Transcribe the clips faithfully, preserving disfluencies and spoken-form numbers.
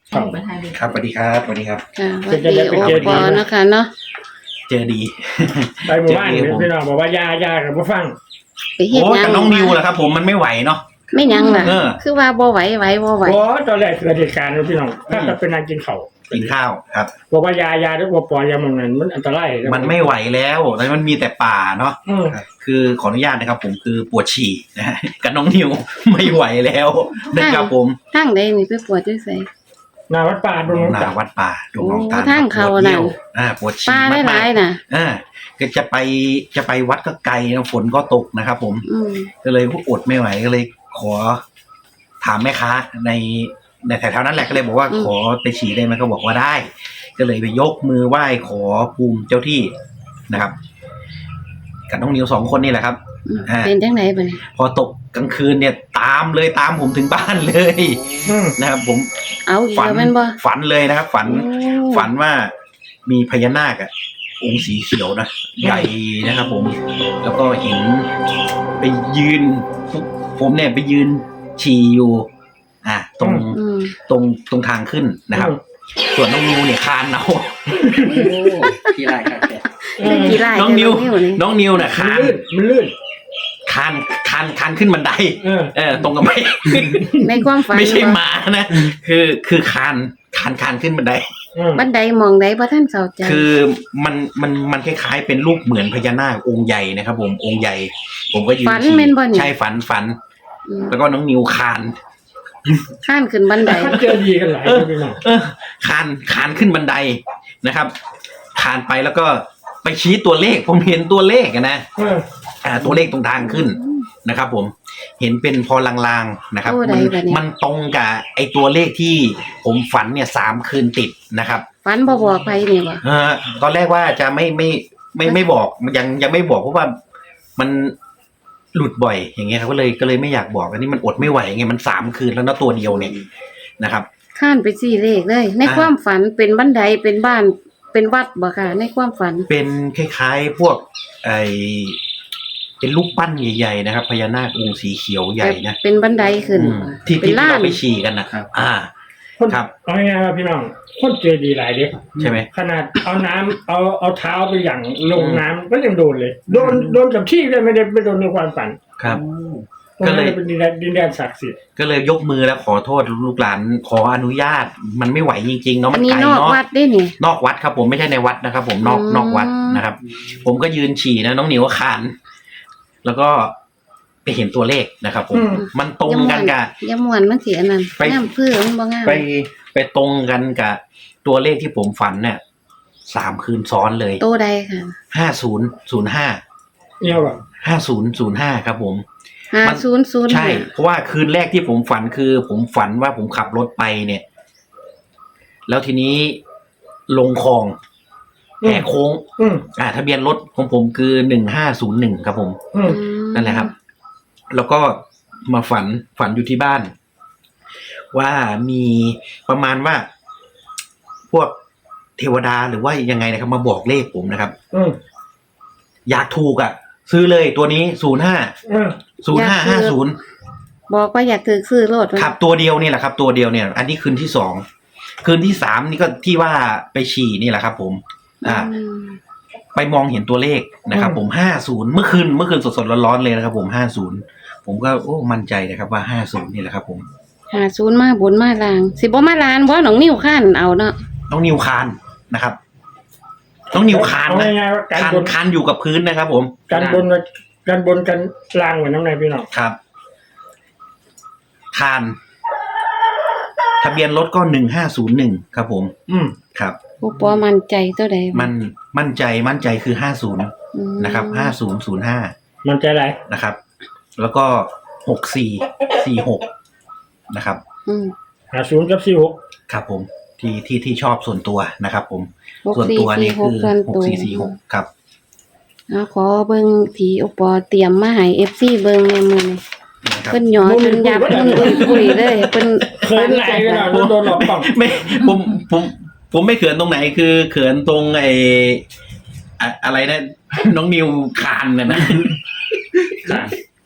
ครับครับสวัสดีครับสวัสดีครับค่ะสวัสดีโอปอนะคะเนาะเจอดีไปหมู่บ้านเนี่ยพี่น้องบอกว่ายายากับพ่ฟังไปเฮ็ดโอ้หยังกับน้องนิวแหละครับ ผมมันไม่ไหวเนาะไม่หยังล่ะเออคือว่าบ่ไหวไหวบ่ไหวโอ้ตอนแรกเกิดเหตุการณ์นะพี่น้องถ้าจะเป็นนางกินเขากินข้าวครับบอกว่ายายาด้วยว่าปอยามันนั้นมันอันตรายมันไม่ไหวแล้วแล้วมันมีแต่ป่าเนาะอืมคือขออนุญาตนะครับ ผมคือปวดฉี่นะฮะกับน้องนิวไม่ไหวแล้วนะครับผมทางใดนี่ไปปวดจังไสหนาวัดป่าดงหนาวัดป่าดงหนองตาลโอ้ทางเขาปวดน่ะเยี่ยวอ่าปวดฉี่ป้าหมาลายกๆน่ะๆอ่าก็จะไปจะไปวัดก็ไกลนะฝนก็ตกนะครับ ผมอืมก็เลยอดไม่ไหวก็เลยขอถามแม่ค้าในในแถวๆนั้นแหละก็เลยบอกว่าขอไปฉี่ได้ไหมก็บอกว่าได้ ก็เลยไปยกมือไหว้ขอภูมิเจ้าที่นะครับกับน้องนิวสองคนนี่แหละครับอืมอ่าเป็นจังไดบัดนี้พอตกกลางคืนเนี่ยตามเลยตามผมถึงบ้านเลยอืมนะครับ ผมเอาอีกฝันแล้วแม่นบ่ฝันเลยนะครับ ฝันโอ้ฝันว่ามีพญานาคอะองค์สีเขียวนะใหญ่นะครับ ผม แล้วก็เห็นไปยืน ผมเนี่ยไปยืนฉี่อยู่ อ่ะตรงอืมตรงตรงทางขึ้นนะครับ ส่วนน้องนิวเนี่ยคานเอาที่ไรครับแกคือกี่ไร่น้องนิวนี่น้องนิวเนี่ยมันคานลื่นมันลื่นคานคานคานขึ้นบันไดเออเออ ตรงกับไม่ในความฝันไม่ใช่บ่หมานะคือคือคานคานคานขึ้นบันไดอืมบันไดมองใดบ่ทันเข้าใจคือมันมันมันคล้ายๆเป็นรูปเหมือนพญานาคองค์ใหญ่นะครับ ผมองค์ใหญ่ ผมก็ยืนฝันฉี่แม่นบ่นี่ใช่ฝันฝันอืมแล้วก็น้องนิวคานข้านขึ้นบันไดเขาเจอดีกันหลายพี่น้องเออคานคานขึ้นบันไดนะครับคานไปแล้วก็ไปชี้ตัวเลข ผมเห็นตัวเลขอะนะเอออ่าตัวเลขตรงทางขึ้นนะครับ ผมเห็นเป็นพอลางๆนะครับโอ้ใดมันบัดนี้มันตรงกับไอตัวเลขที่ผมฝันเนี่ยสามคืนติดนะครับฝันบ่บอกไปนี่บ่เออตอนแรกว่าจะไม่ไม่ไม่ไม่บอกยังยังไม่บอกเพราะว่ามันหลุดบ่อยอย่างเงี้ยครับก็เลยก็เลยไม่อยากบอกอันนี้มันอดไม่ไหวไงมันสามคืนแล้วนะตัวเดียวเนี่ยนะครับข้านไปสี่เลขเลย ในอ่าความฝันเป็นบันไดเป็นบ้านเป็นวัดบ่ค่ะ ในความฝันเป็นคล้ายๆพวกไอเป็นรูปปั้นใหญ่ๆนะครับพญานาคองค์สีเขียวใหญ่นะเป็นบันไดขึ้นอืมที่เป็นที่ล้านเราไปฉี่กันนะครับ อ่าคนครับเอาง่ายๆว่าพี่น้องคนเจอดีหลายเด็กใช่ไหมขนาดเอาน้ำเอาเอาเท้าไปอย่างลงน้ำก็ยังโดนเลย โดนโดนกับที่เลยไม่ได้ไม่โดนในความฝันครับตรงนั้นก็เลยเป็นดินแดนดินแดนศักดิ์สิทธิ์ก็เลยยกมือแล้วขอโทษลูกหลานขออนุญาต มันไม่ไหวจริงๆเนาะอัมัน นนี้ไกลนอกเนาะวัดได้นี่นอกวัดครับ ผมไม่ใช่ในวัดนะครับ ผมนอกอืมนอกวัดนะครับ ผมก็ยืนฉี่นะน้องหนิวก็คาน แล้วก็ไปเห็นตัวเลขนะครับ ผมอืมมันตรงกันกับอย่าม่วนมันสิอันนั้นไปงามเพื่อมันบ่งามไปไปตรงกันกับตัวเลขที่ผมฝันเนี่ยสามคืนซ้อนเลยโตใดค่ะห้าศูนย์ศูนย์ห้าเนี่ยแบบห้าศูนย์ศูนย์ห้าครับผม มันห้าศูนย์ศูนย์ใช่ เพราะว่าคืนแรกที่ผมฝันคือ ผมฝันว่าผมขับรถไปเนี่ย แล้วทีนี้ลงคลองแหกโค้งอืมอ่า ทะเบียนรถของผมคือหนึ่งห้าศูนย์หนึ่งครับผมอืมนั่นแหละครับ แล้วก็มาฝันฝันอยู่ที่บ้าน ว่ามีประมาณว่า พวกเทวดาหรือว่ายังไงนะครับ มาบอกเลขผมนะครับอืมอยากถูกอ่ะ ซื้อเลยตัวนี้ศูนย์ห้าอืมศูนย์ห้าห้าศูนย์บอกว่าอยากถือซื้อรถไว้ครับตัวเดียวนี่แหละครับ ตัวเดียวเนี่ย อันนี้คืนที่สองคืนที่สามนี่ก็ที่ว่าไปฉี่นี่แหละครับ ผม อ่าอืมไปมองเห็นตัวเลขนะครับ ผมห้าศูนย์เมื่อคืนเมื่อคืนสดๆร้อนๆเลยนะครับ ผมห้าศูนย์ผมก็โอ้มั่นใจนะครับว่าห้าศูนย์นี่แหละครับ ผมห้าศูนย์มาบนมาล่าง สิบ่มาลานบ่น้องนิ้วข้านเอาเนาะน้องนิวคานนะครับ น้องนิวคานเอานะง่ายๆว่าการคานบนคานอยู่กับพื้นนะครับ ผมการบนการบนกันล่างเหมือนน้ำในพี่น้องครับคานทะเบียนรถก็หนึ่งห้าศูนย์หนึ่งครับ ผมอืมครับผู้ปอมั่นใจตัวใดมันมั่นใจมั่นใจคือห้าศูนย์อืมนะครับห้าศูนย์ศูนย์ห้ามันใจอะไรนะครับ แล้วก็หกสี่สี่หกนะครับอืมหาศูนย์กับสี่หกครับ ผมที่ที่ที่ชอบส่วนตัวนะครับ ผมหกส่วนสี่ตัวสี่นี่หกคือส่วนหกตัวสี่สี่หกครับเอาขอเบิ่งที่อุปอเตรียมมาให้ เอฟ ซี เบิ่งแม่มื้อนี้นะครับเพิ่นหยอจนยับมันอุ้ยๆเลยเพิ่นเขินไหลพี่น้องโดนหลอกกล่องไม่ผมผมผมไม่เขินตรงไหนคือเขินตรงไออะอะไรนะน้องนิวคานนะนะ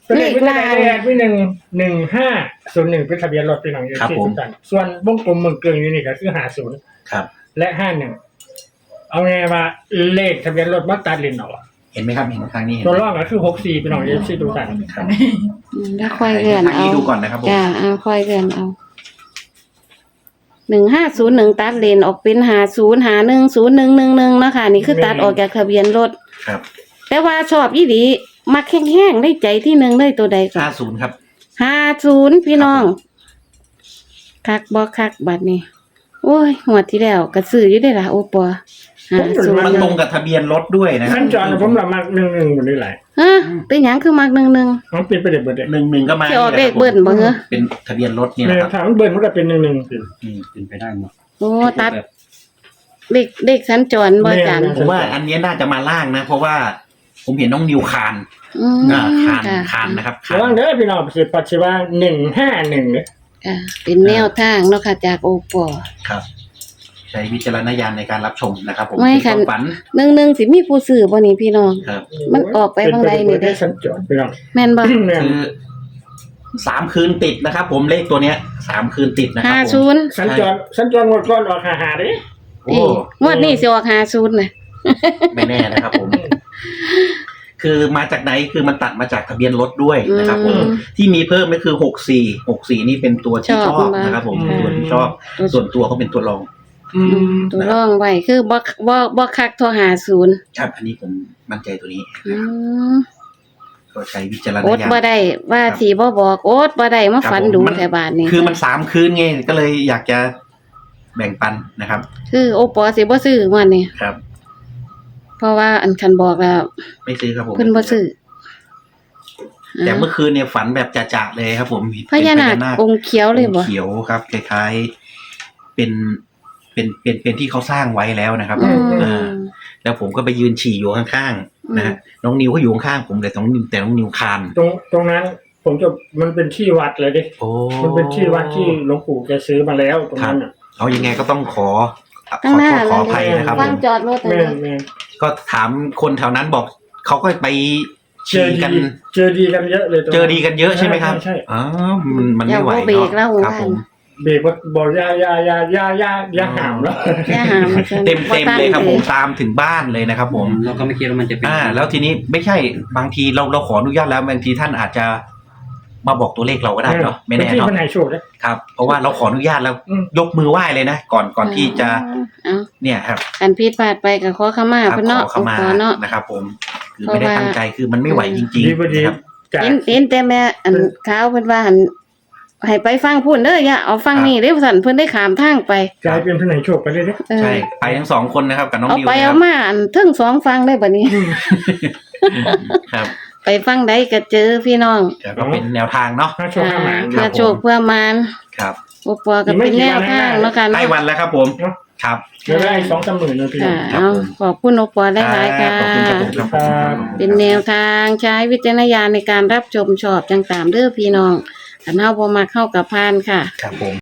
เป็นเลขวิทยาเลขวิหนึ่งหนึ่งห้าศูนย์หนึ่งเป็นทะเบียนรถพี่น้องอยู่ที่ทุกท่านส่วนวงกลมเมืองเกลืองอยู่นี่ก็คือห้าศูนย์ครับและห้าหนึ่งเอาไงว่าเลขทะเบียนรถมาตัดเลนเอาอะเห็นไหมครับเห็นทางนี้เห็นตัวไหมรองก็คือหกสี่พี่น้องอยู่ที่ทุกท่านครับอืมแล้วค่อยเลื่อนทางเอานี้ดูก่อนนะครับผมจ้าเอาค่อยเลื่อนเอาหนึ่งห้าศูนย์หนึ่งตัดเลนออกเป็นหาศูนย์หาหนึ่งศูนย์หนึ่งหนึ่งหนึ่งเนาะค่ะนี่คือตัดออกจากทะเบียนรถครับแต่ว่าชอบอีหลีมักแห้งๆได้ใจที่หนึ่งได้ตัวใดก่อห้าน ศูนย์ครับห้าศูนย์พี่น้องคักบ่คักบัดนี้โอ้ยหัวดที่แล้วกระสืออยู่ได้ล่ะโอปัวห้าศูนมันย์ตรงกับทะเบียนรถด้วยนะครัขั้นจรผมละมักหนึ่งหนึ่งหมดเลยหลายฮะเป็นหยังคือมักหนึ่งหนึ่งมันเป็นไปได้เบิดเลยหนึ่งหนึ่งก็มาสิออกเลขเบิ้ลบ่เหรอเป็นทะเบียนรถเนี่ยแม่นะครับถามเบิร์นมันก็เป็นหนึ่งหนึ่งอืมเป็นไปได้หมดโอ้ตัดเลขเลขสัญจรบ่จันผมว่าอันนี้น่าจะมาล่างนะ เพราะว่าผมเห็นน้องนิวคานอืมอ่าคานค่ะคานนะครับคาระวังนเด้อพี่น้องสิปัจจุบันหนึ่งห้าหนึ่งเนี่ยค่ะเป็นแนวทางเนาะค่ะจากโอปอครับ ใช้วิจารณญาณในการรับชมนะครับ ผมไม่เป็นค่ะความฝันหนึ่งหนึ่งสิมีผู้ซื้อบ่นี่พี่น้องครับมันออกไปบางใดนี่เด้ได้สัญจรพี่น้องแม่นบ่แม่นคือสามคืนติดนะครับ ผมเลขตัวเนี้ยสามคืนติดนะครัห้าผมศูนย์สัญจรสัญจรหมดก้อนออกหาหาดิโอ้นี่งวดนี้สิออกห้าศูนย์น่ะไม่แน่นะครับ ผม คือมาจากไหนคือมันตัดมาจากทะเบียนรถด้วยนะครับ ผมอืมที่มีเพิ่มก็คือหกสี่หกสี่นี่เป็นตัวที่ชชออบบ มากนะครับ ผมค่ะตัวที่ชอบ ส่วนตัวเขาเป็นตัวรองอืมตัวร่องไว้คือบ่บ่บ่คักเท่าห้าศูนย์ครับ อันนี้ผมมั่นใจตัวนี้อืมก็ใช้วิจารณโอ๊ตญาณบ่ได้ว่าสิบ่บอกโอ๊ตบ่ได้มาฝันดูครับผมแถวบ้านนี่คือมันสามคืนไงก็เลยอยากจะแบ่งปันนะครับคือโอปอสิบ่ซื้องวดนี้ครับเพราะว่าอันคันบอกแล้วไม่ซื้อครับผมเพิ่นบ่ซื้อแต่อ่าเมื่อคืนเนี่ยฝันแบบจะๆเลยครับ ผมเห็นพญานาคเป็องค์เขียวเลยบ่องค์เขียวครับคล้ายๆเป็นเป็นเป็นเป็นที่เขาสร้างไว้แล้วนะครับอืมอ่าแล้วผมก็ไปยืนฉี่อยู่ข้างๆนะฮะน้องนิวก็อยู่ข้างๆผมแต่น้องนิวแต่น้องนิวคานตรงตรงนั้น ผมจะมันเป็นที่วัดเลยดิโอ้มันเป็นที่วัดที่หลวงปู่แกซื้อมาแล้วตรงนั้นอ่ะเอายังไงก็ต้องขอขอข้างหน้าขออภัยนะครับฟัผงมจอดรถอันแม่นี้นแม่นก็ถามคนแถวนั้นบอกเขาก็ไปเจฉี่อกันดีเจอดีกันเยอะเลยตรงเจนั้นอดีกันเยอะใช่ไหมครับใช่อ๋อมันมันไม่ไหวอย่าว่าเบรกแล้วเนาะครับผมเบรกว่าบอกอยาอยาอยาอยาอยาอยาหามแล้วอย่าหามาซั่นเต็มเต็มเลยครับผมตั้งตามถึงบ้านเลยนะครับ ผมเราก็ไม่คิดว่ามันจะเป็นอ่า แล้วทีนี้ไม่ใช่บางทีเราเราขออนุญาตแล้วบางทีท่านอาจจะมาบอกตัวเลขเราก็ได้เนาะไม่แน่ที่เนาะมันให้โชคนะครับเพราะว่าเราขออนุญาตแล้วอืมยกมือไหว้เลยนะก่อนก่อนที่จะเอ้าเนี่ยครับอันผิดพลาดไปก็ขอขมาครับเพิ่นขเนาะอเข้ามาขอเนาะนะครับ ผมคือไม่ได้ตั้งใจคือมันไม่ไหวจริงดีพอๆดีนะครับจากเห็นเห็นแต่แม่อันขาวเพิ่นว่าหั่นให้ไปฟังพูดเด้ออย่าเอาฟังนี่เด้อสั่นเพิ่นได้ขามทางไปกลายเป็นผู้ให้โชคไปเลยนะเออใช่ไปทั้งสองคนนะครับกับน้องเอานิวไปนะคเอารับมาอันเทั้งสองฟังได้บัดนี้ครับไปฟังใดก็เจอพี่น้องแต่ก็เป็นแนวทางเนาะถ้าโชคห้าหมานเพื่อโชคเพื่อมานครับโอปอก็เป็นแนวทางเนาะค่ะใกล้เนาะวันแล้วครับผมเนาะครับเดี๋ยวได้สองสามหมื่นนะพี่ค่ะครับเอาผมขอบคุณโอปอหลายๆค่ะขอบคุณครับผมครับขอบคุณครับเป็นแนวทางใช้วิจารณญาณในการรับชมชอบจังตามเด้อพี่น้องอันเฮาบ่มักเข้ากับพานค่ะครับผม